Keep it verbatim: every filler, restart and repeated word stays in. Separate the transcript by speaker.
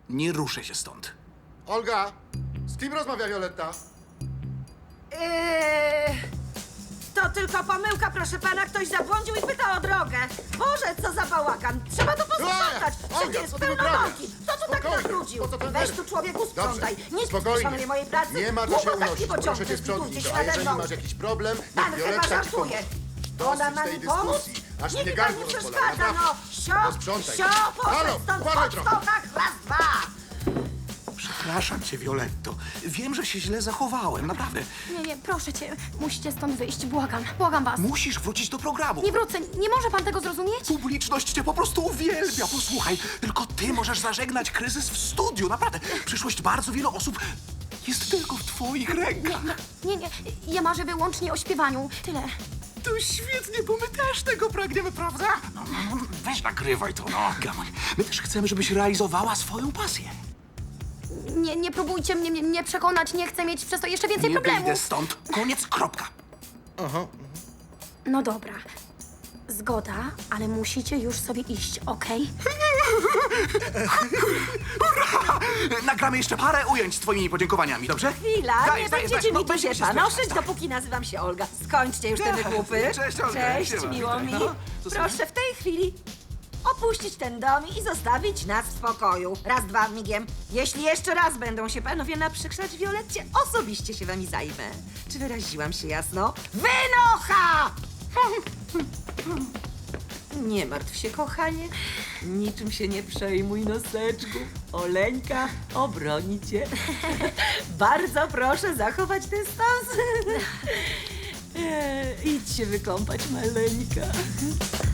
Speaker 1: Nie ruszę się stąd.
Speaker 2: Olga, z kim rozmawia Violetta?
Speaker 3: Eee, to tylko pomyłka, proszę pana. Ktoś zabłądził i pyta o drogę. Boże, co za bałagan. Trzeba to posprzątać.
Speaker 2: Olga,
Speaker 3: Wszędzie jest
Speaker 2: co ty
Speaker 3: pełno
Speaker 2: wyprawiasz?
Speaker 3: mąki. Kto tu tak
Speaker 2: Spokojnie,
Speaker 3: nabrudził?
Speaker 2: po co ten
Speaker 3: Weź
Speaker 2: nerw?
Speaker 3: tu człowieku sprzątaj.
Speaker 2: Dobrze,
Speaker 3: Nikt nie
Speaker 2: spokojnie.
Speaker 3: szanuje mojej pracy.
Speaker 2: Nie ma co się
Speaker 3: Głupotaki
Speaker 2: unosić.
Speaker 3: pociągnie,
Speaker 2: Proszę cię sprzątnij
Speaker 3: zbudujcie
Speaker 2: to.
Speaker 3: się
Speaker 2: A
Speaker 3: nade
Speaker 2: jeżeli
Speaker 3: mną.
Speaker 2: masz jakiś problem,
Speaker 3: Pan
Speaker 2: niech
Speaker 3: chyba
Speaker 2: Violetta ci
Speaker 3: żartuje.
Speaker 2: pomoże.
Speaker 3: Ona
Speaker 2: Dosyć
Speaker 3: ma
Speaker 2: tej
Speaker 3: mi pomóc?
Speaker 2: dyskusji. Aż
Speaker 3: Niech
Speaker 2: mnie
Speaker 3: mi pan
Speaker 2: gardło
Speaker 3: nie
Speaker 2: rozbolało,
Speaker 3: przeszkadza, no.
Speaker 2: naprawdę.
Speaker 3: Sio,
Speaker 2: Posprzątaj.
Speaker 3: sio, poszedł
Speaker 2: Halo,
Speaker 3: stąd,
Speaker 2: uważaj
Speaker 3: chodź
Speaker 2: trochę.
Speaker 3: stąd, tak, raz, dwa.
Speaker 1: Przepraszam cię, Violetto. Wiem, że się źle zachowałem, naprawdę.
Speaker 4: Nie, nie, proszę cię, musicie stąd wyjść, błagam, błagam was.
Speaker 1: Musisz wrócić do programu.
Speaker 4: Nie wrócę, nie może pan tego zrozumieć?
Speaker 1: Publiczność cię po prostu uwielbia. Posłuchaj, tylko ty możesz zażegnać kryzys w studiu. Naprawdę, przyszłość bardzo wielu osób jest tylko w twoich rękach.
Speaker 4: Nie, nie, ja marzę wyłącznie o śpiewaniu, tyle.
Speaker 1: To świetnie, bo my też tego pragniemy, prawda? No, no, no, weź nagrywaj to, no. Gamoń, my też chcemy, żebyś realizowała swoją pasję.
Speaker 4: Nie, nie próbujcie mnie, mnie, mnie przekonać, nie chcę mieć przez to jeszcze więcej
Speaker 1: Nie wyjdę
Speaker 4: problemów.
Speaker 1: stąd. Koniec, kropka.
Speaker 4: No dobra, zgoda, ale musicie już sobie iść, okej?
Speaker 1: Nagramy jeszcze parę ujęć z twoimi podziękowaniami, dobrze?
Speaker 3: Chwila,
Speaker 1: Daj,
Speaker 3: nie
Speaker 1: daj,
Speaker 3: będziecie
Speaker 1: daj, no,
Speaker 3: mi tu się
Speaker 1: będziemy się
Speaker 3: panoszyć,
Speaker 1: spieszyć.
Speaker 3: dopóki nazywam się Olga. Skończcie już te
Speaker 1: Cześć.
Speaker 3: wygłupy.
Speaker 1: Cześć, Olga.
Speaker 3: Cześć,
Speaker 1: Siema.
Speaker 3: miło mi.
Speaker 1: No, co
Speaker 3: Proszę w tej chwili opuścić ten dom i zostawić nas w spokoju. Raz, dwa, migiem. Jeśli jeszcze raz będą się panowie naprzykrzać Violetcie, osobiście się wami zajmę. Czy wyraziłam się jasno? Wynocha! Nie martw się, kochanie. Niczym się nie przejmuj, noseczku. Oleńka obroni cię. Bardzo proszę zachować dystans. Eee, idź się wykąpać, maleńka.